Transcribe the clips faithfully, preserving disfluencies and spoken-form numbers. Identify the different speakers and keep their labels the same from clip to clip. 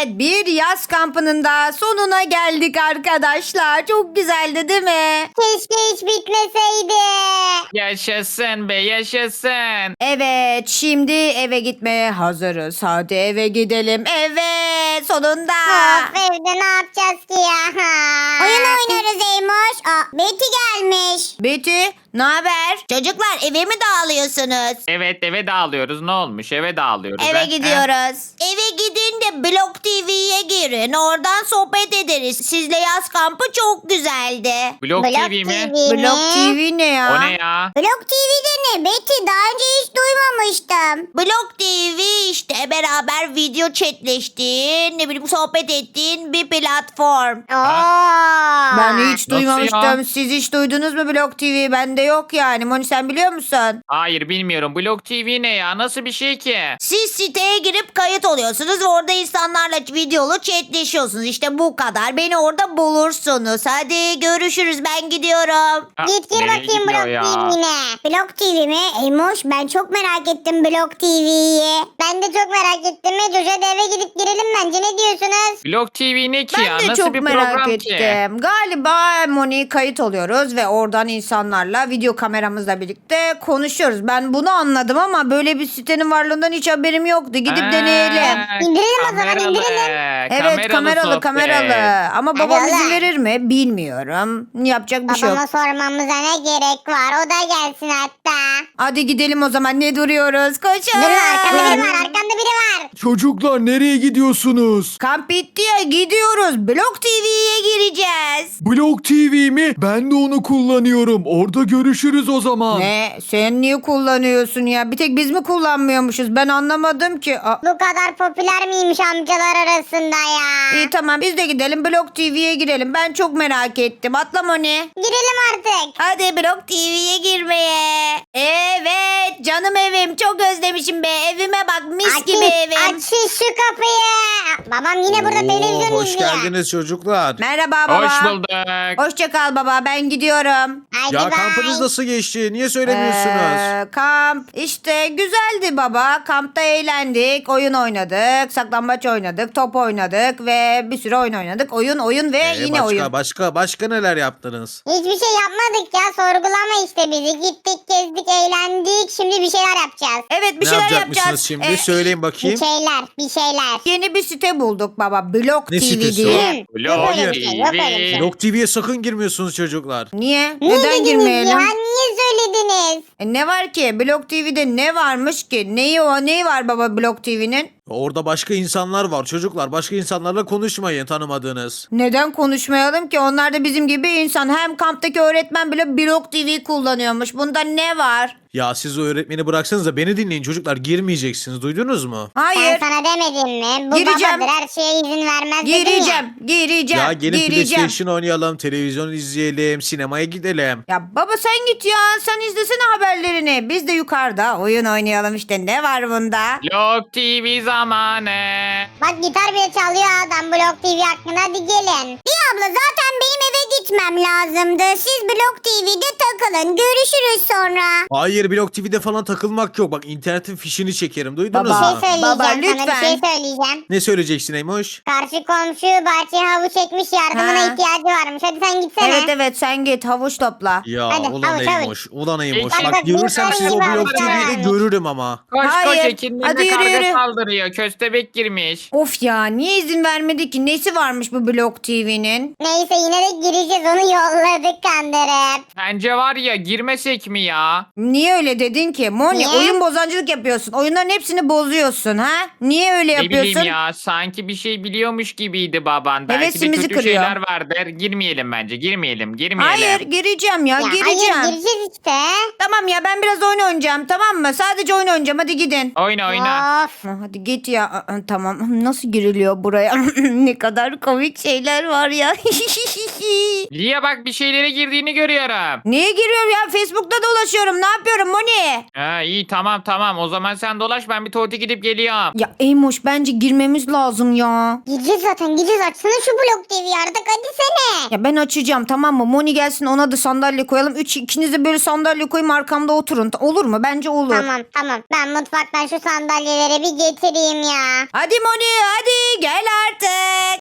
Speaker 1: Evet, bir yaz kampının da sonuna geldik arkadaşlar. Çok güzeldi değil mi?
Speaker 2: Keşke hiç bitmeseydi.
Speaker 3: Yaşasın be yaşasın.
Speaker 1: Evet, şimdi eve gitmeye hazırız. Hadi eve gidelim. Evet, sonunda.
Speaker 2: Of, evde ne yapacağız ki ya? Oyun oynarız Eymoş. Aa, Betty gelmiş.
Speaker 1: Betty, ne haber?
Speaker 4: Çocuklar eve mi dağılıyorsunuz?
Speaker 3: Evet eve dağılıyoruz. Ne olmuş? Eve dağılıyoruz.
Speaker 1: Eve
Speaker 3: ha?
Speaker 1: gidiyoruz.
Speaker 4: Eve gidin de Blok T V'ye girin. Oradan sohbet ederiz. Sizle yaz kampı çok güzeldi.
Speaker 3: Ha? Blok,
Speaker 2: Blok
Speaker 3: T V mi?
Speaker 2: T V
Speaker 1: Blok
Speaker 2: mi?
Speaker 1: T V ne ya?
Speaker 3: O ne ya?
Speaker 2: Blok T V'de ne Betty? Daha önce hiç duymamıştım.
Speaker 4: Blok T V işte beraber video chatleştiğin, ne bileyim sohbet ettiğin bir platform.
Speaker 2: Oo.
Speaker 1: Ben hiç
Speaker 3: Nasıl
Speaker 1: duymamıştım.
Speaker 3: ya?
Speaker 1: Siz hiç duydunuz mu Blok T V? Bende yok yani. Moni sen biliyor musun?
Speaker 3: Hayır bilmiyorum. Blok T V ne ya? Nasıl bir şey ki?
Speaker 4: Siz siteye girip kayıt oluyorsunuz ve orada insanlarla videolu chatleşiyorsunuz. İşte bu kadar. Beni orada bulursunuz. Hadi görüşürüz, ben gidiyorum.
Speaker 3: Ha,
Speaker 2: Git gir
Speaker 3: nereye
Speaker 2: bakayım
Speaker 3: gidiyor
Speaker 2: Blok
Speaker 3: ya?
Speaker 2: T V'ne. Blok T V mi? Eymoş ben çok merak ettim Blok T V'yi. Ben de çok merak ettim. Coşa da eve gidip girelim bence, ne diyorsunuz?
Speaker 3: Blok T V ne ki
Speaker 1: Ben
Speaker 3: ya?
Speaker 1: de
Speaker 3: Nasıl
Speaker 1: çok
Speaker 3: bir
Speaker 1: merak
Speaker 3: program
Speaker 1: ettim.
Speaker 3: ki?
Speaker 1: Galiba Moni kayıt oluyoruz ve oradan insanlarla video kameramızla birlikte konuşuyoruz. Ben bunu anladım ama böyle bir sitenin varlığından hiç haberim yoktu. Gidip
Speaker 3: Ha,
Speaker 1: deneyelim.
Speaker 2: İndirelim o zaman,
Speaker 3: kameralı.
Speaker 2: indirelim.
Speaker 1: Evet, kameralı
Speaker 3: sohbet.
Speaker 1: kameralı. Ama
Speaker 2: Hadi
Speaker 1: babam izin
Speaker 2: oğlum.
Speaker 1: verir mi? Bilmiyorum. Yapacak bir şey yok.
Speaker 2: Babama sormamıza ne gerek var? O da gelsin hatta.
Speaker 1: Hadi gidelim o zaman. Ne duruyoruz? Koşun.
Speaker 2: Dur, arkamda biri var, arkamda biri var.
Speaker 5: Çocuklar nereye gidiyorsunuz?
Speaker 1: Kamp bitti ya, gidiyoruz. Blok T V'ye gireceğiz.
Speaker 5: Blok T V mi? Ben de onu kullanıyorum. Orada görüşürüz o zaman.
Speaker 1: Ne? Sen niye kullanıyorsun ya? Bir tek biz mi kullanmıyormuşuz? Ben anlamadım ki. Aa,
Speaker 2: Bu kadar popüler miymiş amcalar arasında ya?
Speaker 1: İyi tamam, biz de gidelim Blok T V'ye girelim. Ben çok merak ettim. Atla Moni.
Speaker 2: Girelim artık.
Speaker 1: Hadi Blok T V'ye girmeye. Evet canım evim, çok özlemişim be. Evime bak, mis
Speaker 2: Açın,
Speaker 1: gibi evim.
Speaker 2: açın şu kapıyı. Babam yine burada
Speaker 6: Oo,
Speaker 2: televizyon
Speaker 6: hoş
Speaker 2: izliyor.
Speaker 6: geldiniz çocuklar.
Speaker 1: Merhaba baba.
Speaker 3: Hoş bulduk.
Speaker 1: Hoşça kal baba, ben gidiyorum.
Speaker 2: Haydi
Speaker 6: Ya
Speaker 2: bye.
Speaker 6: kampınız nasıl geçti? Niye söylemiyorsunuz?
Speaker 1: Ee, kamp işte güzeldi baba. Kampta eğlendik, oyun oynadık, saklambaç oynadık, top oynadık ve bir sürü oyun oynadık. Oyun oyun ve
Speaker 6: Ee,
Speaker 1: yine
Speaker 6: başka,
Speaker 1: oyun.
Speaker 6: Başka başka neler yaptınız?
Speaker 2: Hiçbir şey yapmadık ya, sorgulama işte bizi. Gittik, gezdik, eğlendik. Şimdi bir şeyler yapacağız.
Speaker 1: Evet, bir
Speaker 6: ne
Speaker 1: şeyler
Speaker 6: yapacakmışsınız
Speaker 1: yapacağız.
Speaker 6: şimdi?
Speaker 1: Ee,
Speaker 6: Söyleyin
Speaker 2: Bir
Speaker 6: bakayım.
Speaker 2: şeyler, bir şeyler.
Speaker 1: Yeni bir site bulduk baba. Blok
Speaker 6: Ne
Speaker 1: T V
Speaker 6: sitesi
Speaker 1: diye.
Speaker 2: Yok
Speaker 3: Blok
Speaker 2: öyle bir şey, yok öyle bir şey.
Speaker 6: Blok T V'ye sakın girmiyorsunuz çocuklar.
Speaker 1: Niye?
Speaker 2: Niye
Speaker 1: Neden
Speaker 2: dediniz
Speaker 1: girmeyelim?
Speaker 2: ya? Niye söylediniz?
Speaker 1: E, ne var ki? Blok T V'de ne varmış ki? Neyi o? Neyi var baba Blok T V'nin?
Speaker 6: Orada başka insanlar var çocuklar. Başka insanlarla konuşmayın tanımadığınız.
Speaker 1: Neden konuşmayalım ki? Onlar da bizim gibi insan. Hem kamptaki öğretmen bile Blok T V kullanıyormuş. Bunda ne var?
Speaker 6: Ya siz o öğretmeni bıraksanız da beni dinleyin çocuklar. Girmeyeceksiniz, duydunuz mu?
Speaker 1: Hayır.
Speaker 2: Ben sana demedim mi? Bu
Speaker 1: Gireceğim.
Speaker 2: babadır, her şeye izin vermez dedin ya.
Speaker 1: Gireceğim. Gireceğim.
Speaker 6: Ya gelin
Speaker 1: gireceğim.
Speaker 6: PlayStation oynayalım, televizyon izleyelim, sinemaya gidelim.
Speaker 1: Ya baba sen git ya. Sen izlesene haberlerini. Biz de yukarıda oyun oynayalım işte. Ne var bunda?
Speaker 3: Blok T V zamanı.
Speaker 2: Bak gitar bile çalıyor adam Blok T V hakkında, hadi gelin. İyi abla, zaten benim eve gitmem lazımdı. Siz Blok T V'de takılın. Görüşürüz sonra.
Speaker 6: Hayır, Blok T V'de falan takılmak yok. Bak internetin fişini çekerim. Duydunuz
Speaker 1: Baba.
Speaker 2: Bir
Speaker 6: mu?
Speaker 2: şey söyleyeceğim
Speaker 1: Baba,
Speaker 2: sana, bir
Speaker 1: lütfen.
Speaker 2: şey söyleyeceğim.
Speaker 6: Ne söyleyeceksin Eymoş?
Speaker 2: Karşı komşu bahçeye havuç ekmiş, yardımına
Speaker 1: Ha.
Speaker 2: ihtiyacı varmış. Hadi sen gitsene.
Speaker 1: Evet evet, sen git havuç topla.
Speaker 6: Ya
Speaker 2: Hadi,
Speaker 6: ulan
Speaker 2: havuç, havuç.
Speaker 6: Eymoş. Ulan Eymoş.
Speaker 3: Bak,
Speaker 6: Bak
Speaker 2: bak,
Speaker 6: görürsem
Speaker 2: bir
Speaker 6: sizi o
Speaker 2: tane
Speaker 6: Blok
Speaker 2: var.
Speaker 6: T V'de görürüm ama.
Speaker 3: Koş
Speaker 1: Hayır,
Speaker 3: koş Ekin'in
Speaker 1: hadi
Speaker 3: de
Speaker 1: yürü,
Speaker 3: karga
Speaker 1: yürü.
Speaker 3: saldırıyor. Köstebek girmiş.
Speaker 1: Of ya, niye izin vermedi ki? Nesi varmış bu Blok T V'nin?
Speaker 2: Neyse, yine de gireceğiz, onu yolladık kandırıp.
Speaker 3: Bence var ya girmesek mi ya?
Speaker 1: Niye öyle dedin ki? Moni,
Speaker 2: Niye?
Speaker 1: oyun bozancılık yapıyorsun. Oyunların hepsini bozuyorsun ha? Niye öyle
Speaker 3: Ne
Speaker 1: yapıyorsun?
Speaker 3: bileyim ya sanki bir şey biliyormuş gibiydi baban. Belki de
Speaker 1: Hevesimizi
Speaker 3: kötü
Speaker 1: kırıyor.
Speaker 3: şeyler vardır. Girmeyelim bence girmeyelim girmeyelim.
Speaker 1: Hayır, gireceğim ya,
Speaker 2: Ya
Speaker 1: gireceğim.
Speaker 2: hayır, gireceğiz işte.
Speaker 1: Tamam ya, ben biraz oyun oynayacağım, tamam mı? Sadece oyun oynayacağım, hadi gidin.
Speaker 3: Oyna oyna.
Speaker 2: Of.
Speaker 1: Ha, Hadi git ya. Aa, Tamam, nasıl giriliyor buraya? Ne kadar komik şeyler var ya.
Speaker 3: Lia bak bir şeylere girdiğini görüyorum.
Speaker 1: Niye giriyorum ya? Facebook'ta dolaşıyorum. Ne yapıyorum Moni?
Speaker 3: Ha, iyi tamam tamam o zaman sen dolaş ben bir tuvalete gidip geliyorum.
Speaker 1: Ya Eymoş, bence girmemiz lazım ya.
Speaker 2: Gireceğiz zaten, gireceğiz. Açsana şu Blok T V'yi artık, hadi sene.
Speaker 1: Ya ben açacağım, tamam mı? Moni gelsin, ona da sandalye koyalım. Üç ikiniz de böyle sandalye koyayım, arkamda oturun. Olur mu? Bence olur.
Speaker 2: Tamam tamam, ben mutfaktan şu sandalyeleri bir getireyim ya.
Speaker 1: Hadi Moni, hadi gel artık.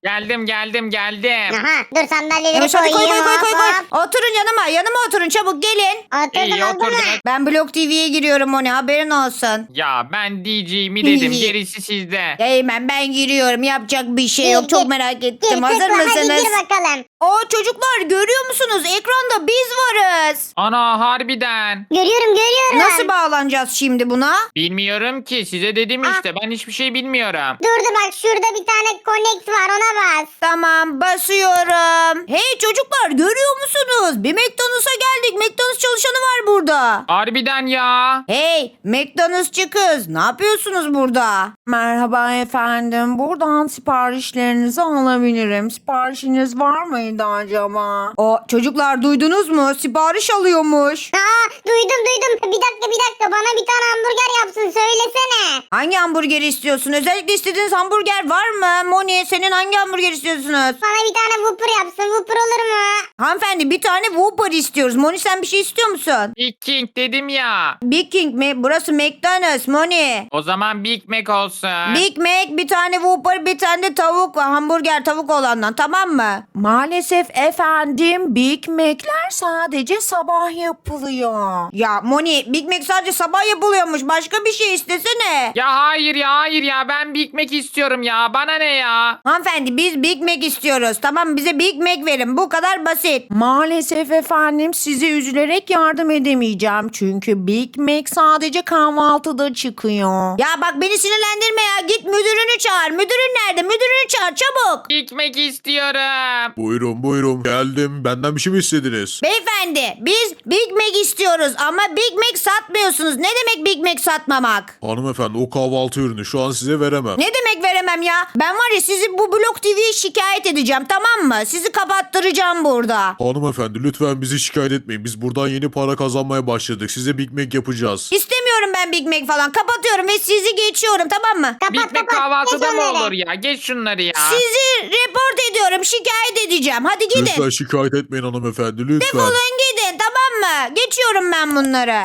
Speaker 3: Geldim geldim geldim.
Speaker 2: Aha dur sandalyeleri
Speaker 1: Yavaş hadi koy koy
Speaker 2: koyayım.
Speaker 1: koy koy koy.
Speaker 2: hop, hop.
Speaker 1: Oturun yanıma yanıma oturun çabuk gelin.
Speaker 2: Oturdum
Speaker 3: İyi
Speaker 2: oldu mu?
Speaker 3: oturdunuz.
Speaker 1: Ben Blok T V'ye giriyorum Moni haberin olsun.
Speaker 3: Ya ben D J'mi dedim gerisi sizde.
Speaker 1: Eymen ben giriyorum yapacak bir şey yok
Speaker 2: Gir,
Speaker 1: çok
Speaker 2: gir.
Speaker 1: merak
Speaker 2: Gir
Speaker 1: ettim hazır
Speaker 2: tıkla hadi
Speaker 1: mısınız?
Speaker 2: gir bakalım.
Speaker 1: Oo çocuklar görüyor musunuz ekranda biz varız.
Speaker 3: Ana harbiden.
Speaker 2: Görüyorum görüyorum.
Speaker 1: Nasıl bağlanacağız şimdi buna?
Speaker 3: Bilmiyorum ki size dedim işte ben hiçbir şey bilmiyorum.
Speaker 2: Dur dur bak şurada bir tane connect var ona bas.
Speaker 1: Tamam basıyorum. Hey çocuklar görüyor musunuz? Bir McDonald's'a geldik. McDonald's çalışanı var burada.
Speaker 3: Harbiden ya.
Speaker 1: Hey McDonald'sçı kız ne yapıyorsunuz burada? Merhaba efendim. Buradan siparişlerinizi alabilirim. Siparişiniz var mıydı acaba? O çocuklar duydunuz mu? Sipariş alıyormuş.
Speaker 2: Aa duydum duydum. Bir dakika bir dakika bana bir tane hamburger yapsın söylesene.
Speaker 1: Hangi hamburgeri istiyorsun? Özellikle istediğiniz hamburger var mı? Moni senin hangi hamburger istiyorsunuz?
Speaker 2: Bana bir tane Whopper yapsın. Whopper olur mu?
Speaker 1: Hanımefendi bir tane Whopper istiyoruz. Moni sen bir şey istiyor musun?
Speaker 3: Big King dedim ya.
Speaker 1: Big King mi? Burası McDonald's Moni.
Speaker 3: O zaman Big Mac olsun.
Speaker 1: Big Mac bir tane Whopper bir tane de tavuk hamburger tavuk olandan tamam mı? Maalesef efendim Big Mac'ler sadece sabah yapılıyor. Ya Moni Big Mac sadece sabah yapılıyormuş başka bir şey istesene.
Speaker 3: Ya hayır ya hayır ya ben Big Mac istiyorum ya. Bana ne ya?
Speaker 1: Hanımefendi biz Big Mac istiyoruz tamam mı? Bize Big Mac verin bu kadar basit. Maalesef efendim sizi üzülerek yardım edemeyeceğim. Çünkü Big Mac sadece kahvaltıda çıkıyor. Ya bak beni sinirlendirme ya git müdürünü çağır. Müdürün nerede? Müdürünü çağır çabuk.
Speaker 3: Big Mac istiyorum.
Speaker 6: Buyurun buyurun geldim. Benden bir şey mi istediniz?
Speaker 1: Beyefendi biz Big Mac istiyoruz ama Big Mac satmıyorsunuz. Ne demek Big Mac satmamak?
Speaker 6: Hanımefendi o kahvaltı ürünü şu an size veremem.
Speaker 1: Ne demek veremem ya? Ben var ya sizi bu Blok T V'ye şikayet edeceğim tamam mı? Sizi kapattıracağım burada.
Speaker 6: Hanımefendi lütfen bizi şikayet etmeyin. Biz buradan yeni para kazanmaya başladık. Size Big Mac yapacağız.
Speaker 1: İstemiyorum ben Big Mac falan. Kapatıyorum ve sizi geçiyorum tamam mı?
Speaker 2: Kapat
Speaker 3: Big Mac
Speaker 2: kapat.
Speaker 3: kahvaltıda
Speaker 2: Geç
Speaker 3: mı
Speaker 2: onları.
Speaker 3: olur ya? Geç şunları ya.
Speaker 1: Sizi report ediyorum. Şikayet edeceğim. Hadi gidin.
Speaker 6: Lütfen şikayet etmeyin hanımefendi lütfen.
Speaker 1: Defolun gidin tamam mı? Geçiyorum ben bunları.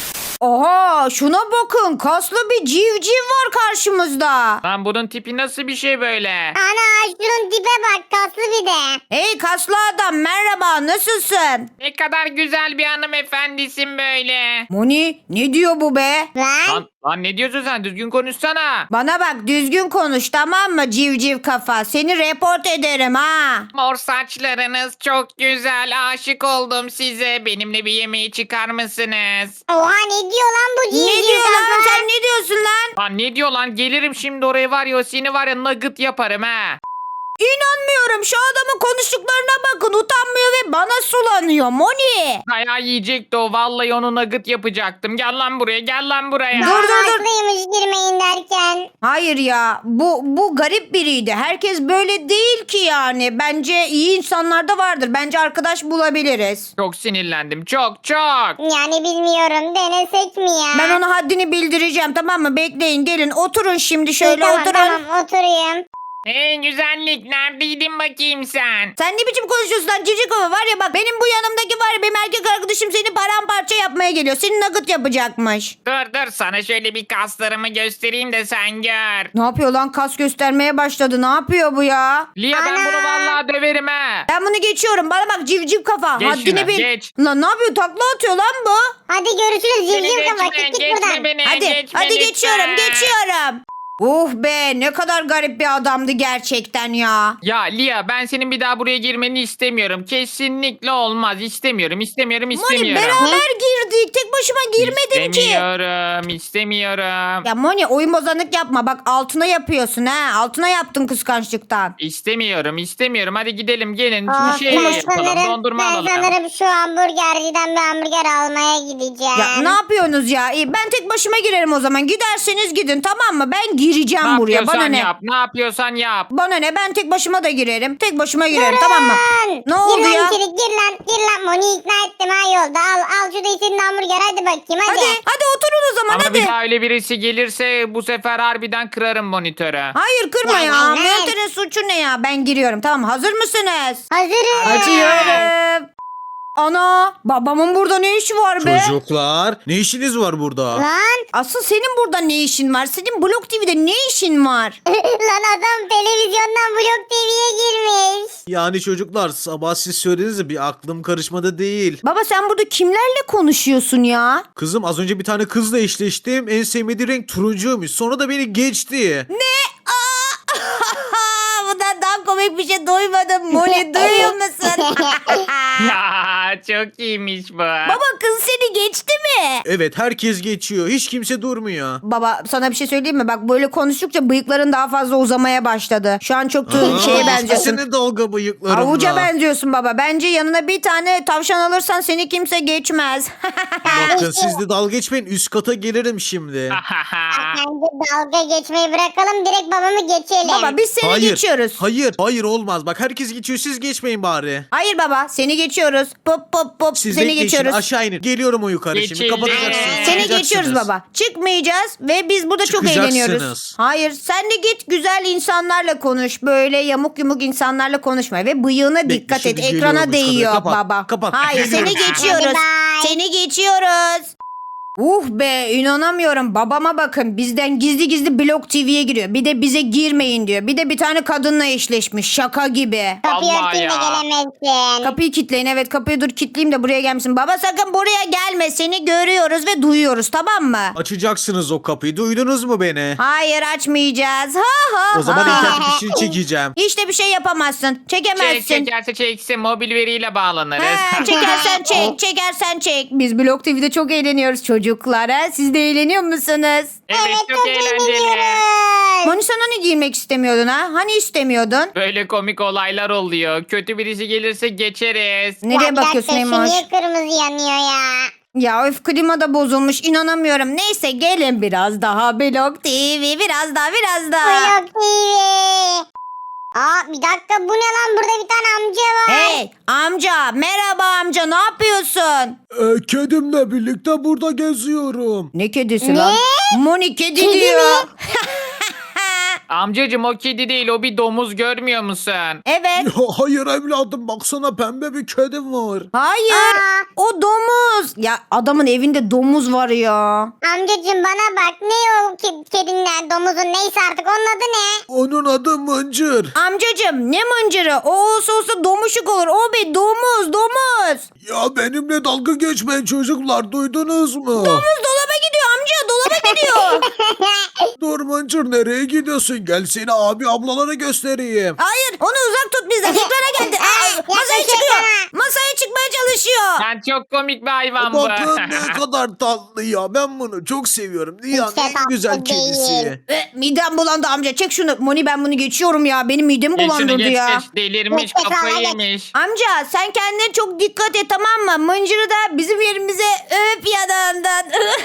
Speaker 1: Oha şuna bakın. Kaslı bir civciv var karşımızda.
Speaker 3: Lan bunun tipi nasıl bir şey böyle?
Speaker 2: Ana şunun tipe bak kaslı bir de.
Speaker 1: Hey kaslı adam merhaba nasılsın?
Speaker 3: Ne kadar güzel bir hanımefendisin böyle.
Speaker 1: Moni ne diyor bu be?
Speaker 2: Lan.
Speaker 3: Lan, lan ne diyorsun sen? Düzgün konuşsana.
Speaker 1: Bana bak düzgün konuş tamam mı civciv kafa? Seni report ederim ha.
Speaker 3: Mor saçlarınız çok güzel. Aşık oldum size. Benimle bir yemeğe çıkar mısınız?
Speaker 2: Oha ne diyor lan bu civciv
Speaker 1: Ne diyor lan
Speaker 2: kafa?
Speaker 1: sen ne diyorsun lan?
Speaker 3: Lan ne diyor lan? Gelirim şimdi oraya var ya o seni var ya nugget yaparım ha.
Speaker 1: İnanmıyorum şu adamın konuştuklarına bakın utanmıyor ve bana sulanıyor Moni.
Speaker 3: Dayağı yiyecekti o. Vallahi onu nugget yapacaktım. Gel lan buraya gel lan buraya.
Speaker 1: Dur, dur, dur.
Speaker 2: Haklıymış girmeyin derken.
Speaker 1: Hayır ya bu bu garip biriydi. Herkes böyle değil ki yani. Bence iyi insanlar da vardır. Bence arkadaş bulabiliriz.
Speaker 3: Çok sinirlendim. Çok çok.
Speaker 2: Yani bilmiyorum denesek mi ya?
Speaker 1: Ben ona haddini bildireceğim tamam mı? Bekleyin gelin oturun şimdi
Speaker 2: İyi,
Speaker 1: şöyle
Speaker 2: tamam,
Speaker 1: oturun.
Speaker 2: Tamam oturayım.
Speaker 3: Hey güzellik neredeydin bakayım sen?
Speaker 1: Sen ne biçim konuşuyorsun lan civciv kafa var ya bak benim bu yanımdaki var ya benim erkek arkadaşım seni paramparça yapmaya geliyor. Seni nugget yapacakmış.
Speaker 3: Dur dur sana şöyle bir kaslarımı göstereyim de sen gör.
Speaker 1: Ne yapıyor lan kas göstermeye başladı ne yapıyor bu ya?
Speaker 3: Lia ben
Speaker 2: Ana!
Speaker 3: bunu vallahi döverim ha.
Speaker 1: Ben bunu geçiyorum bana bak civciv kafa
Speaker 3: Geç
Speaker 1: haddini
Speaker 3: şuna,
Speaker 1: bil.
Speaker 3: geç.
Speaker 1: Lan ne yapıyor takla atıyor lan bu.
Speaker 2: Hadi görüşürüz
Speaker 3: Beni
Speaker 2: civciv kafa
Speaker 3: geçme,
Speaker 2: çık git
Speaker 3: geçme
Speaker 2: buradan.
Speaker 3: beni,
Speaker 1: Hadi
Speaker 3: geçme
Speaker 1: hadi
Speaker 3: lütfen.
Speaker 1: geçiyorum geçiyorum. Uh be ne kadar garip bir adamdı gerçekten ya.
Speaker 3: Ya Lia ben senin bir daha buraya girmeni istemiyorum. Kesinlikle olmaz. İstemiyorum, istemiyorum,
Speaker 1: Moni
Speaker 3: istemiyorum.
Speaker 1: beraber girdik tek başıma girmedim ki.
Speaker 3: İstemiyorum, istemiyorum.
Speaker 1: Ya Moni oyun bozanlık yapma bak altına yapıyorsun ha altına yaptın kıskançlıktan.
Speaker 3: İstemiyorum, istemiyorum. Hadi gidelim gelin.
Speaker 2: Of,
Speaker 3: Bir şey
Speaker 2: ben
Speaker 3: yapalım.
Speaker 2: sanırım,
Speaker 3: Dondurma
Speaker 2: ben
Speaker 3: alalım.
Speaker 2: sanırım şu hamburgerciden bir hamburger almaya gideceğim.
Speaker 1: Ya ne yapıyorsunuz ya? İyi, ben tek başıma girerim o zaman. Giderseniz gidin tamam mı? Ben gireceğim
Speaker 3: Ne
Speaker 1: buraya.
Speaker 3: yapıyorsan
Speaker 1: Bana ne?
Speaker 3: yap, ne yapıyorsan yap.
Speaker 1: Bana ne? Ben tek başıma da girerim. Tek başıma girerim tamam mı?
Speaker 2: Lan,
Speaker 1: Ne oldu
Speaker 2: gir lan
Speaker 1: ya?
Speaker 2: içeri, gir lan gir lan Moni ikna ettim ha yolda al al şurada istediğin hamburger hadi bakayım hadi.
Speaker 1: Hadi hadi oturun o zaman
Speaker 3: Ama
Speaker 1: hadi.
Speaker 3: bir daha öyle birisi gelirse bu sefer harbiden kırarım monitörü.
Speaker 1: Hayır kırma
Speaker 2: Ya,
Speaker 1: ya.
Speaker 2: ya, ya.
Speaker 1: Monitörün suçu ne ya? Ben giriyorum tamam mı? Hazır mısınız?
Speaker 2: Hazırım.
Speaker 1: Açıyorum. Ana babamın burada ne işi var be?
Speaker 6: Çocuklar ne işiniz var burada?
Speaker 2: Lan
Speaker 1: Asıl senin burada ne işin var? Senin Blok T V'de ne işin var?
Speaker 2: lan adam televizyondan Blok T V'ye
Speaker 6: Yani çocuklar sabah siz söylediniz de bir aklım karışmadı değil.
Speaker 1: Baba sen burada kimlerle konuşuyorsun ya?
Speaker 6: Kızım az önce bir tane kızla eşleştim. En sevmediği renk turuncuymuş. Sonra da beni geçti.
Speaker 1: Bundan daha komik bir şey duymadım. Moni duyuyor musun?
Speaker 3: Ya çok iyiymiş bu.
Speaker 1: Baba kız seni geçti mi?
Speaker 6: Evet herkes geçiyor. Hiç kimse durmuyor.
Speaker 1: Baba sana bir şey söyleyeyim mi? Bak böyle konuştukça bıyıkların daha fazla uzamaya başladı. Şu an çok tu-
Speaker 6: Aa,
Speaker 1: şeye benziyorsun.
Speaker 6: Senin dalga bıyıklarınla.
Speaker 1: Avuca benziyorsun baba. Bence yanına bir tane tavşan alırsan seni kimse geçmez.
Speaker 6: Bakın siz de dalga geçmeyin. Üst kata gelirim şimdi.
Speaker 2: Bence dalga geçmeyi bırakalım direkt babamı geçelim.
Speaker 1: Baba biz seni
Speaker 6: hayır.
Speaker 1: geçiyoruz.
Speaker 6: Hayır. Hayır olmaz. Bak herkes geçiyor. Siz geçmeyin bari.
Speaker 1: Hayır baba seni geçiyoruz. Pop pop pop
Speaker 6: Siz
Speaker 1: seni
Speaker 6: bekleyin şimdi,
Speaker 1: geçiyoruz.
Speaker 6: aşağı inin. Geliyorum o yukarı şimdi.
Speaker 3: Geçildi.
Speaker 6: Kapatacaksınız.
Speaker 1: Seni
Speaker 6: çıkacaksınız.
Speaker 1: geçiyoruz baba. Çıkmayacağız ve biz burada çok
Speaker 6: Çıkacaksınız.
Speaker 1: eğleniyoruz. Hayır sen de git güzel insanlarla konuş. Böyle yamuk yumuk insanlarla konuşma ve bıyığına
Speaker 6: Bekle,
Speaker 1: dikkat et.
Speaker 6: şimdi geliyorum
Speaker 1: Ekrana
Speaker 6: üst kata.
Speaker 1: değiyor
Speaker 6: Kapat,
Speaker 1: baba.
Speaker 6: kapat.
Speaker 1: Hayır
Speaker 6: Geliyorum.
Speaker 1: seni geçiyoruz.
Speaker 2: Hadi bye.
Speaker 1: Seni geçiyoruz. Uh be inanamıyorum babama bakın bizden gizli gizli Blok T V'ye giriyor. Bir de bize girmeyin diyor. Bir de bir tane kadınla eşleşmiş şaka gibi.
Speaker 2: Kapıyı
Speaker 3: Vallahi
Speaker 2: örteyim de
Speaker 3: ya.
Speaker 2: gelemezsin.
Speaker 1: Kapıyı kilitleyin evet kapıyı dur kilitleyeyim de buraya gelmesin. Baba sakın buraya gelme seni görüyoruz ve duyuyoruz tamam mı?
Speaker 6: Açacaksınız o kapıyı. Duydunuz mu beni?
Speaker 1: Hayır açmayacağız. Ha ha
Speaker 6: O zaman
Speaker 1: ha.
Speaker 6: internet fişini çekeceğim.
Speaker 1: Hiç de bir şey yapamazsın. Çekemezsin.
Speaker 3: Çek, çekerse çeksin mobil veriyle bağlanırız.
Speaker 1: He, çekersen çek, çekersen çek. Biz Blok T V'de çok eğleniyoruz çocuklar. Ha? Siz de eğleniyor musunuz?
Speaker 3: Evet çok eğlenceli.
Speaker 2: eğleniyoruz.
Speaker 1: Moni sen hani girmek istemiyordun ha? Hani istemiyordun?
Speaker 3: Böyle komik olaylar oluyor. Kötü birisi gelirse geçeriz.
Speaker 1: Nereye
Speaker 2: Ya bir
Speaker 1: bakıyorsun
Speaker 2: dakika, şu
Speaker 1: Emoş?
Speaker 2: niye kırmızı yanıyor ya?
Speaker 1: Ya öf klima da bozulmuş inanamıyorum. Neyse gelin biraz daha Blok T V biraz daha biraz daha.
Speaker 2: Blok T V. Aa bir dakika bu ne lan burada bir tane amca var.
Speaker 1: Hey amca merhaba amca ne yapıyorsun?
Speaker 5: Ee, kedimle birlikte burada geziyorum.
Speaker 1: Ne kedisi
Speaker 2: Ne?
Speaker 1: lan? Moni kedi,
Speaker 2: Kedi
Speaker 1: diyor.
Speaker 2: mi?
Speaker 3: Amcacım o kedi değil o bir domuz görmüyor musun?
Speaker 1: Evet.
Speaker 5: Ya, hayır evladım baksana pembe bir kedim var.
Speaker 1: Hayır.
Speaker 2: Aa.
Speaker 1: O domuz. Ya adamın evinde domuz var ya.
Speaker 2: Amcacığım bana bak ne o ke- kedinler domuzun neyse artık onun adı ne?
Speaker 5: Onun adı Mıncır.
Speaker 1: Amcacım ne mıncırı? O olsa olsa domuşuk olur. O bir domuz domuz.
Speaker 5: Ya benimle dalga geçmeyin çocuklar duydunuz mu?
Speaker 1: Domuz dolaba gidiyor amca dolaba gidiyor.
Speaker 5: Dur Mıncır nereye gidiyorsun? Gel seni abi ablalara göstereyim.
Speaker 1: Hayır onu uzak tut bizden. Ekrana geldi. Aa, masaya
Speaker 2: yaklaşık
Speaker 1: çıkıyor.
Speaker 2: ama.
Speaker 1: Masaya çıkmaya çalışıyor.
Speaker 3: Sen çok komik bir hayvan bu.
Speaker 5: Bakın ne kadar tatlı ya. Ben bunu çok seviyorum. Dünyanın
Speaker 2: Hiç de
Speaker 5: en
Speaker 2: tatlı
Speaker 5: güzel
Speaker 2: değil.
Speaker 5: kedisi.
Speaker 1: E, midem bulandı amca. Çek şunu. Moni ben bunu geçiyorum ya. Benim midemi
Speaker 3: Geç şunu
Speaker 1: bulandırdı
Speaker 3: geç
Speaker 1: ya.
Speaker 3: geç. Delirmiş
Speaker 2: Geç, geç,
Speaker 3: kafayı
Speaker 2: geç.
Speaker 3: yemiş.
Speaker 1: Amca sen kendine çok dikkat et tamam mı? Mıncırı da bizim yerimize öp yanağından.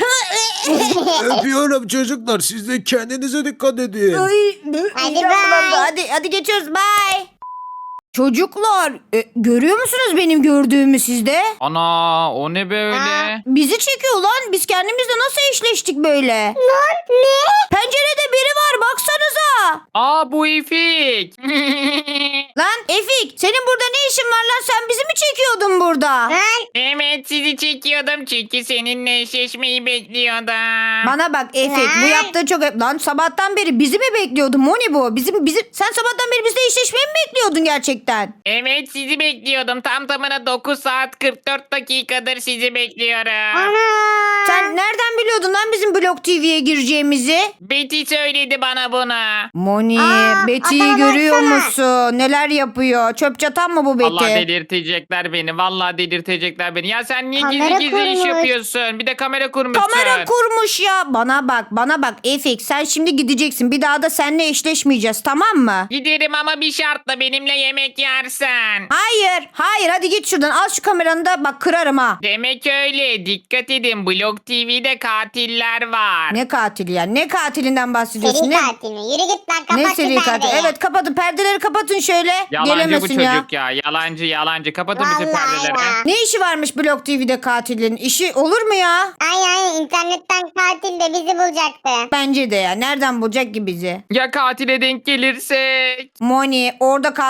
Speaker 5: Öpüyorum çocuklar. Siz de kendinize dikkat edin.
Speaker 1: Ay,
Speaker 2: Hadi
Speaker 1: midem
Speaker 2: bye.
Speaker 1: bulandı. Hadi, hadi geçiyoruz. Bye. Çocuklar e, görüyor musunuz benim gördüğümü sizde?
Speaker 3: Ana o ne böyle?
Speaker 2: Aa.
Speaker 1: Bizi çekiyor lan. Biz kendimizle nasıl eşleştik böyle?
Speaker 2: Lan ne?
Speaker 1: Pencerede biri var baksanıza.
Speaker 3: Aa bu İfik.
Speaker 1: Lan Efik senin burada ne işin var lan? Sen bizi mi çekiyordun burada?
Speaker 2: Lan
Speaker 3: Evet sizi çekiyordum çünkü seninle eşleşmeyi bekliyordum.
Speaker 1: Bana bak Efik bu
Speaker 2: Lan.
Speaker 1: yaptığı çok... Lan sabahtan beri bizi mi bekliyordun Moni bu? Bizim, bizim... Sen sabahtan beri bizle eşleşmeyi mi bekliyordun gerçekten?
Speaker 3: Evet sizi bekliyordum. Tam tamına dokuz saat kırk dört dakikadır sizi bekliyorum.
Speaker 2: ana.
Speaker 1: Sen nereden biliyordun lan bizim Blok T V'ye gireceğimizi?
Speaker 3: Betty söyledi bana bunu.
Speaker 1: Moni,
Speaker 2: Aa,
Speaker 1: Betty'yi
Speaker 2: adama
Speaker 1: görüyor
Speaker 2: baksana.
Speaker 1: musun? Neler yapıyor? Çöp çatan mı bu Betty?
Speaker 3: Vallahi delirtecekler beni. Vallahi delirtecekler beni. Ya sen niye
Speaker 2: Kamera
Speaker 3: gizli gizli iş
Speaker 2: kurmuş.
Speaker 3: yapıyorsun? Bir de kamera kurmuşsun.
Speaker 1: Kamera kurmuş ya. Bana bak, bana bak Efik. Sen şimdi gideceksin. Bir daha da seninle eşleşmeyeceğiz tamam mı?
Speaker 3: Giderim ama bir şartla benimle yemek yersen.
Speaker 1: Hayır, hayır. Hadi git şuradan. Al şu kameranı da bak kırarım ha.
Speaker 3: Demek öyle. Dikkat edin. Blok T V'de katiller var.
Speaker 1: Ne katili ya? Ne katilinden bahsediyorsun?
Speaker 2: Seri
Speaker 1: Ne?
Speaker 2: katil mi? Yürü git lan kapat
Speaker 1: Ne
Speaker 2: şu
Speaker 1: seri katil?
Speaker 2: perdeyi.
Speaker 1: Evet kapatın. Perdeleri kapatın şöyle.
Speaker 3: Yalancı bu
Speaker 1: Gelemesin
Speaker 3: çocuk
Speaker 1: ya.
Speaker 3: ya. Yalancı yalancı. Kapatın bütün
Speaker 2: Vallahi
Speaker 3: perdeleri.
Speaker 2: ya.
Speaker 1: Ne işi varmış Blok T V'de katilin? İşi olur mu ya?
Speaker 2: Ay ay internetten katil de bizi bulacaktı.
Speaker 1: Bence de ya. Nereden bulacak ki bizi?
Speaker 3: Ya katile denk gelirsek?
Speaker 1: Moni orada katile denk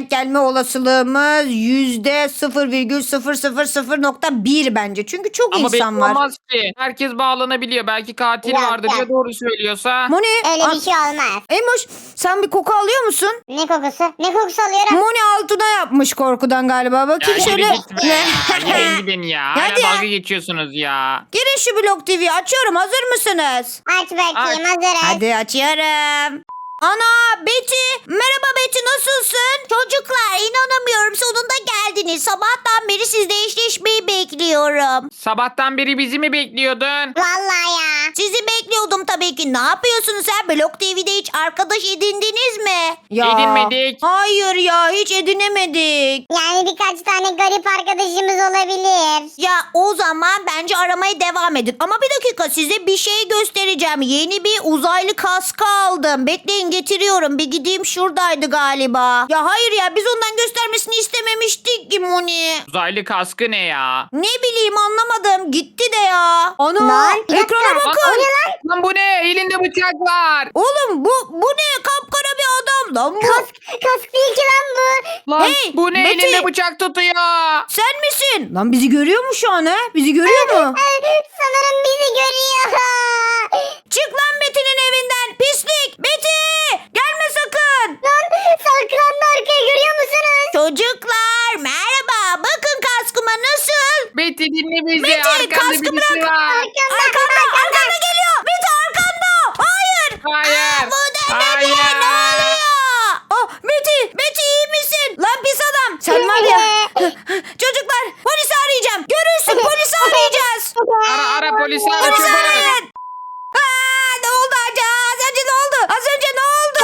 Speaker 1: denk gelme olasılığımız yüzde sıfır virgül sıfır sıfır sıfır nokta bir bence. Çünkü çok
Speaker 3: Ama belli
Speaker 1: insan var.
Speaker 3: olmaz ki. Herkes bağlanabiliyor. Belki katil
Speaker 2: Yok,
Speaker 3: vardır
Speaker 2: yok.
Speaker 3: ya doğru söylüyorsa.
Speaker 1: Moni,
Speaker 2: Öyle
Speaker 1: a-
Speaker 2: bir şey olmaz.
Speaker 1: Emoş sen bir koku alıyor musun?
Speaker 2: Ne kokusu? Ne kokusu alıyorum?
Speaker 1: Moni altına yapmış korkudan galiba. Bakayım
Speaker 3: Ya
Speaker 1: şöyle.
Speaker 3: yürü gitme ya. Gidin gidin ya. Hala
Speaker 1: Hadi ya.
Speaker 3: dalga geçiyorsunuz ya.
Speaker 1: Girin şu Blok T V'yi açıyorum. Hazır mısınız?
Speaker 2: Aç bakayım
Speaker 3: Aç.
Speaker 2: hazırız.
Speaker 1: Hadi açıyorum. Ana Betty. Merhaba Betty, nasılsın?
Speaker 4: Çocuklar inanamıyorum sonunda geldiniz. Sabahtan beri sizle eşleşmeyi bekliyorum.
Speaker 3: Sabahtan beri bizi mi bekliyordun?
Speaker 2: Vallahi ya.
Speaker 4: Sizi bekliyordum tabii ki. Ne yapıyorsunuz sen? Blok T V'de hiç arkadaş edindiniz mi?
Speaker 3: Edinmedik.
Speaker 1: Hayır ya, hiç edinemedik.
Speaker 2: Yani birkaç tane garip arkadaşımız olabilir.
Speaker 4: Ya o zaman bence aramaya devam edin. Ama bir dakika size bir şey göstereceğim. Yeni bir uzaylı kaskı aldım. Bekleyin getiriyorum. Bir gideyim şuradaydı galiba. Ya hayır ya biz ondan göstermesini istememiştik ki Moni.
Speaker 3: Uzaylı kaskı ne ya?
Speaker 4: Ne bileyim anlamadım. Gitti de ya.
Speaker 1: Ana
Speaker 2: Lan, bir dakika.
Speaker 1: ekrana bakın.
Speaker 2: O ne lan?
Speaker 3: Lan bu ne? Elinde bıçak var.
Speaker 1: Oğlum bu bu ne, kapkara bir adam lan bu.
Speaker 2: Kask, kask değil ki lan bu.
Speaker 3: Lan
Speaker 1: Hey,
Speaker 3: bu ne?
Speaker 1: Betty.
Speaker 3: Elinde bıçak tutuyor.
Speaker 1: Sen misin? Lan bizi görüyor mu şu an he? Bizi görüyor mu?
Speaker 2: Sanırım bizi görüyor.
Speaker 1: Çık lan Betty'nin evinden pislik. Betty gelme sakın.
Speaker 2: Lan saklandı arkaya, görüyor musunuz?
Speaker 4: Çocuklar merhaba. Bakın kaskıma nasıl?
Speaker 3: Betty dinle bizi.
Speaker 1: Betty,
Speaker 3: Arkanda
Speaker 1: kaskı
Speaker 3: birisi
Speaker 1: bırak.
Speaker 3: var.
Speaker 1: Arkanda arkanda geliyor. Betty arkanda. Hayır.
Speaker 3: Hayır.
Speaker 4: Bu da ne be?
Speaker 3: Hayır.
Speaker 4: Ne oluyor?
Speaker 1: Oh Betty, Betty iyi misin? Lan pis adam. Sen var ya. Çocuklar polisi arayacağım. Görürsün polisi arayacağız.
Speaker 3: Ara ara polisi ara
Speaker 1: Polisi
Speaker 3: çabuk.
Speaker 1: arayın. Aa, ne oldu acaba? Az önce ne oldu? Az önce ne oldu?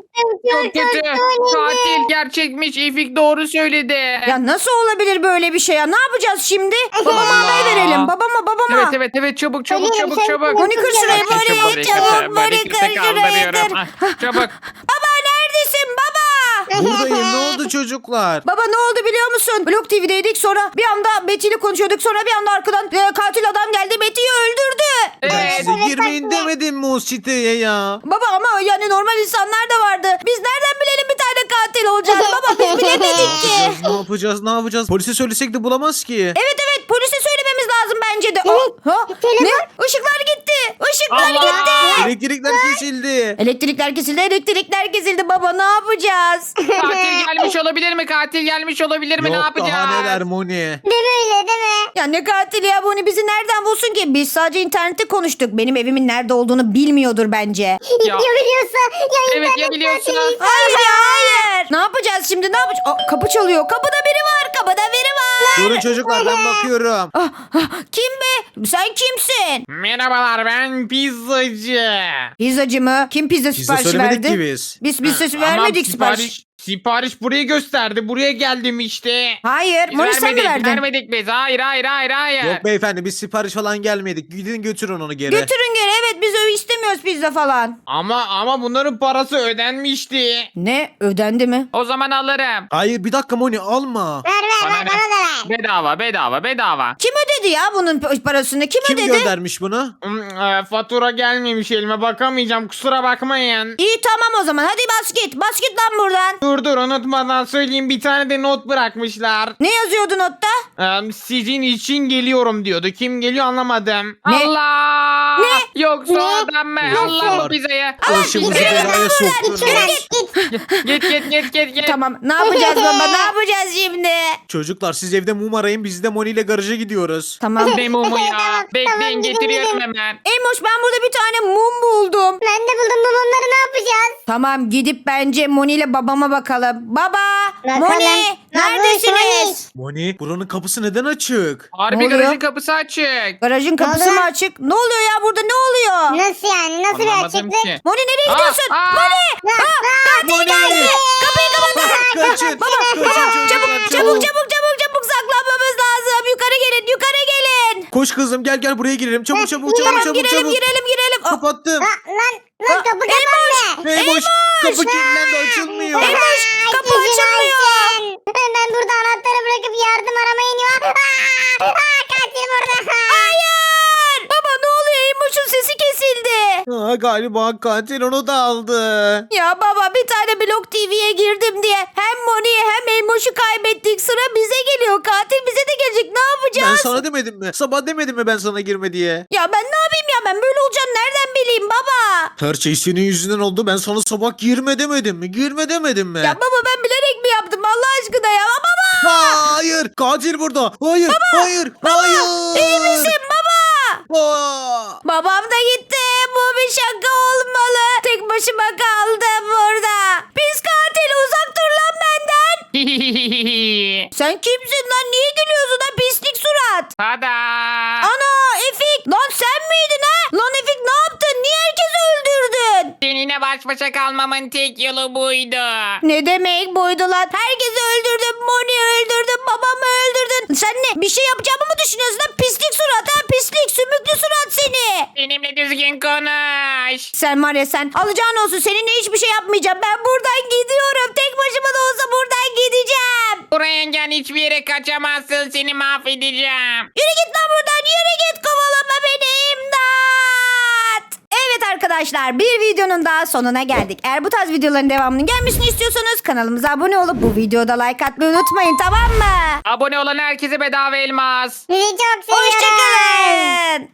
Speaker 3: Çok kötü. Katil gerçekmiş. İfik doğru söyledi.
Speaker 1: Ya nasıl olabilir böyle bir şey ya? Ne yapacağız şimdi? Babama haber verelim. Babama babama.
Speaker 3: Evet evet evet çabuk çabuk
Speaker 2: Ölüyorum,
Speaker 3: çabuk
Speaker 2: sen
Speaker 3: çabuk.
Speaker 1: Moni kır şurayı,
Speaker 3: Çabuk,
Speaker 1: böyle
Speaker 3: çabuk,
Speaker 1: çabuk,
Speaker 3: çabuk,
Speaker 1: böyle
Speaker 3: böyle
Speaker 1: kır
Speaker 3: kimse
Speaker 1: şurayı
Speaker 3: kaldırıyorum.
Speaker 1: kır.
Speaker 3: Ah, Çabuk.
Speaker 1: Baba neredesin baba?
Speaker 6: Buradayım ne oldu çocuklar?
Speaker 1: Baba ne oldu biliyor musun? Blok T V'deydik, sonra bir anda Betty ile konuşuyorduk. Sonra bir anda arkadan e, katil adam geldi, Betty'yi öldürdü.
Speaker 6: Ben
Speaker 3: Evet.
Speaker 6: size girmeyin demedim mi o siteye ya?
Speaker 1: Baba ama yani normal insanlar da vardı. Biz nereden bilelim bir tane katil olacağını baba, biz bilemedik ki.
Speaker 6: Yapacağız, ne yapacağız ne yapacağız? Polise söylesek de bulamaz ki.
Speaker 1: Evet evet polise söylememiz lazım bence de. Aa, ha,
Speaker 2: telefon.
Speaker 1: ne? Işıklar gitti. Işıklar
Speaker 3: Allah!
Speaker 1: gitti.
Speaker 6: Elektrikler kesildi.
Speaker 1: Elektrikler kesildi, elektrikler kesildi baba, ne yapacağız?
Speaker 3: Katil gelmiş olabilir mi? Katil gelmiş olabilir mi? ne
Speaker 6: Yok
Speaker 3: yapacağız?
Speaker 6: daha neler Moni.
Speaker 2: Değil mi öyle değil mi?
Speaker 1: Ya ne katil ya, bunu bizi nereden bulsun ki? Biz sadece internette konuştuk. Benim evimin nerede olduğunu bilmiyordur bence.
Speaker 3: Ya.
Speaker 2: Ya biliyorsa ya
Speaker 3: Evet, ya
Speaker 2: internet
Speaker 3: biliyorsunuz.
Speaker 2: katili.
Speaker 1: Hayır ya hayır. Ne yapacağız şimdi, ne yapacağız? Aa, kapı çalıyor. Kapıda biri var. Kapıda biri var.
Speaker 6: Durun çocuklar ben bakıyorum.
Speaker 1: Ah, ah, kim be? Sen kimsin?
Speaker 3: Merhabalar ben pizzacı.
Speaker 1: Pizzacı mı? Kim pizza
Speaker 6: Pizza
Speaker 1: siparişi
Speaker 6: söylemedik
Speaker 1: verdi?
Speaker 6: ki biz.
Speaker 1: Biz pizza
Speaker 3: Ama
Speaker 1: vermedik sipariş.
Speaker 3: Sipariş burayı gösterdi. Buraya geldim işte.
Speaker 1: Hayır.
Speaker 3: Biz
Speaker 1: Moni sen mi
Speaker 3: vermedik,
Speaker 1: verdin?
Speaker 3: vermedik biz. Hayır hayır hayır hayır.
Speaker 6: Yok beyefendi biz sipariş falan gelmedik. Gidin götürün onu geri.
Speaker 1: Götürün geri. Evet biz öyle istemiyoruz pizza falan.
Speaker 3: Ama ama bunların parası ödenmişti.
Speaker 1: Ne? Ödendi mi?
Speaker 3: O zaman alırım.
Speaker 6: Hayır bir dakika Moni alma.
Speaker 2: Ver ver
Speaker 3: Bana
Speaker 2: ver
Speaker 3: ne?
Speaker 2: bana da ver.
Speaker 3: Bedava bedava bedava.
Speaker 1: Kim ödedi ya bunun p- parasını? Kim,
Speaker 6: Kim
Speaker 1: ödedi?
Speaker 6: göndermiş bunu?
Speaker 3: Hmm, e, fatura gelmemiş elime bakamayacağım kusura bakmayın.
Speaker 1: İyi tamam o zaman. Hadi bas git. Bas git lan buradan.
Speaker 3: Dur dur unutmadan söyleyeyim bir tane de not bırakmışlar.
Speaker 1: Ne yazıyordu notta?
Speaker 3: Ee, sizin için geliyorum diyordu. Kim geliyor anlamadım.
Speaker 1: Ne?
Speaker 3: Allah!
Speaker 1: Ne?
Speaker 3: Yoksa
Speaker 2: Ne?
Speaker 3: adam mı?
Speaker 6: Yok,
Speaker 3: Allah
Speaker 6: var.
Speaker 3: bu pizzayı.
Speaker 6: Başımızı belaya
Speaker 2: Git
Speaker 6: soktun.
Speaker 2: şuradan git.
Speaker 3: Git git git git git.
Speaker 1: Tamam. Ne yapacağız baba? Ne yapacağız şimdi?
Speaker 6: Çocuklar siz evde mum arayın biz de Moni ile garaja gidiyoruz.
Speaker 1: Tamam.
Speaker 3: Ne mumu ya?
Speaker 2: Tamam,
Speaker 3: Bekleyin
Speaker 2: tamam,
Speaker 3: getiriyorum
Speaker 2: gidelim.
Speaker 3: hemen.
Speaker 1: Eymoş ben burada bir tane mum buldum.
Speaker 2: Ben de buldum bu mumları, ne yapacağız?
Speaker 1: Tamam gidip bence Moni ile babama bakalım. Baba!
Speaker 2: Bakalım.
Speaker 1: Moni!
Speaker 2: Babuş,
Speaker 1: Neredesiniz?
Speaker 6: Moni buranın kapısı neden açık?
Speaker 3: Harbi
Speaker 1: Ne oluyor?
Speaker 3: garajın kapısı açık.
Speaker 1: Garajın kapısı
Speaker 2: oldu?
Speaker 1: mı açık? Ne oluyor ya burada, ne oluyor?
Speaker 2: Nasıl yani? Nasıl bir
Speaker 3: Anlamadım
Speaker 2: açıklık?
Speaker 3: ki.
Speaker 1: Moni nereye
Speaker 3: Aa,
Speaker 1: gidiyorsun?
Speaker 3: aa!
Speaker 1: Moni!
Speaker 6: Moni!
Speaker 1: Kapıyı kapat!
Speaker 6: Kaçın!
Speaker 1: Baba,
Speaker 6: Kaçın
Speaker 1: baba,
Speaker 6: çocuklar,
Speaker 1: çabuk, çabuk, çabuk, çabuk, çabuk saklanmamız lazım. Yukarı gelin, yukarı gelin.
Speaker 6: Koş kızım gel gel buraya girelim. Çabuk çabuk çabuk
Speaker 1: Tamam
Speaker 6: çabuk
Speaker 1: girelim,
Speaker 6: çabuk.
Speaker 1: girelim, girelim. Aa,
Speaker 6: Kapattım.
Speaker 2: Lan lan lan
Speaker 1: Aa,
Speaker 2: kapı kapandı.
Speaker 6: Hey boş. Kapı kilitlendi açılmıyor.
Speaker 1: Eymoş kapı
Speaker 2: Ay,
Speaker 1: açılmıyor.
Speaker 2: Ayşen. Ben burada anahtarı bırakıp yardım aramaya iniyorum. Aa, aa, katil burada.
Speaker 1: Hayır. Baba ne oluyor? Eymoş'un sesi kesildi.
Speaker 6: Aa, galiba katil onu da aldı.
Speaker 4: Ya baba bir tane Blok T V'ye girdim diye hem Moni'yi hem Elmoş'u kaybettik. Sıra bize geliyor. Katil bize de gelecek. Ne
Speaker 6: Ben
Speaker 4: yapacağız?
Speaker 6: sana demedim mi? Sabah demedim mi ben sana girme diye?
Speaker 4: Ya ben ne yapayım ya? Ben böyle olacağını nereden bileyim baba?
Speaker 6: Her şey senin yüzünden oldu. Ben sana sabah girme demedim mi? Girme demedim mi?
Speaker 4: Ya baba ben bilerek mi yaptım Allah aşkına ya? Baba!
Speaker 6: Hayır! Katil burada! Hayır! hayır! hayır!
Speaker 4: İyi misin baba?
Speaker 6: Aa!
Speaker 4: Babam da gitti. Bu bir şaka olmalı. Tek başıma kaldım burada. Pis katil uzak dur lan benden. Sen kimsin lan? Niye gülüyorsun lan pislik surat?
Speaker 3: Tada.
Speaker 4: Ana Efik. Lan sen miydin ha? Lan Efik ne yaptın? Niye herkesi öldürdün?
Speaker 3: Seninle baş başa kalmamın tek yolu buydu.
Speaker 4: Ne demek buydu lan? Herkesi öldürdün. Moni öldürdün. Babamı öldürdün. Sen ne? Bir şey yapacağımı mı düşünüyorsun lan? Pislik surat ha? Pislik sümüklü surat seni.
Speaker 3: Benimle düzgün konuş.
Speaker 4: Sen var ya sen alacağın olsun seninle hiçbir şey yapmayacağım. Ben buradan gidiyorum. Tek başıma da olsa buradan gideceğim.
Speaker 3: Buraya gel, hiçbir yere kaçamazsın, seni mahvedeceğim.
Speaker 4: Yürü git lan buradan yürü git kovalama beni imdat. Evet arkadaşlar bir videonun daha sonuna geldik. Eğer bu tarz videoların devamının gelmesini istiyorsanız kanalımıza abone olup bu videoda like atmayı unutmayın tamam mı?
Speaker 3: Abone olan herkese bedava elmas.
Speaker 2: Sizi çok seviyorum.
Speaker 4: Hoşçakalın.